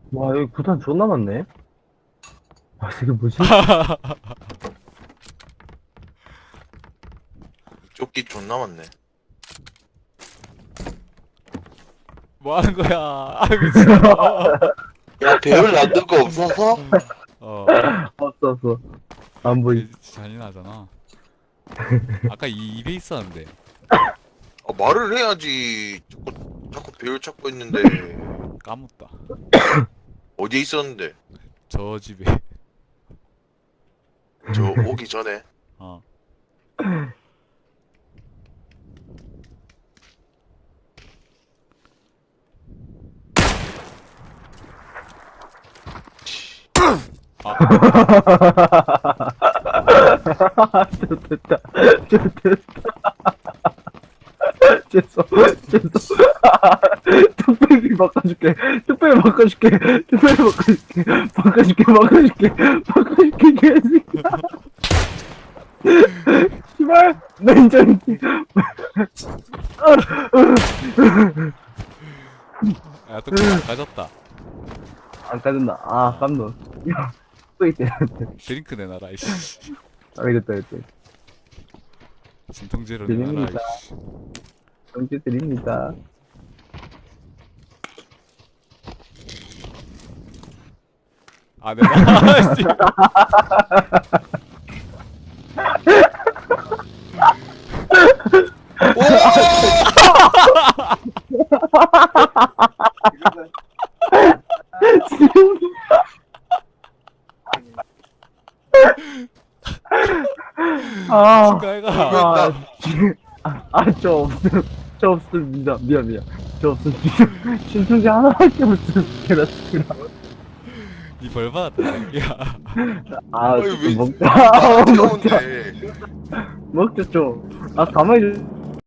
와, 여기 구탄 존나 많네. 아, 이게 뭐지? 조끼 존나 많네. 뭐 하는 거야? 아 미친. 야, 배율 놔둘 거 없어서? 어. 없어. 안 보이. 잔인하잖아. 아까 이 입에 있었는데. 말을 해야지. 자꾸 배율 찾고 있는데. 까먹다. 어디에 있었는데? 저 집에. 저 오기 전에. 어. 좋됐다. 죄송. 뚝배기 바꿔줄게. 개새끼야. 씨발, 냉장이. 야 뚝배기 안 가졌다. 안 까졌나? 아, 깜놀. 야, 또 있대. 드링크 내놔라 이씨. 알겠다. 진통제로 내놔라 드립니다. 이씨. 정지 드립니다. 아 내놔. 씨. 아, 축하해가. 저 없습니다. 미안. 저 없습니다. 신청지 하나밖에 없음. 개라스라. 이 벌 받았다 새끼야. 아, 아니, 왜- 먹자. 귀여운데. 먹자 좀. 아, 가만히 좀.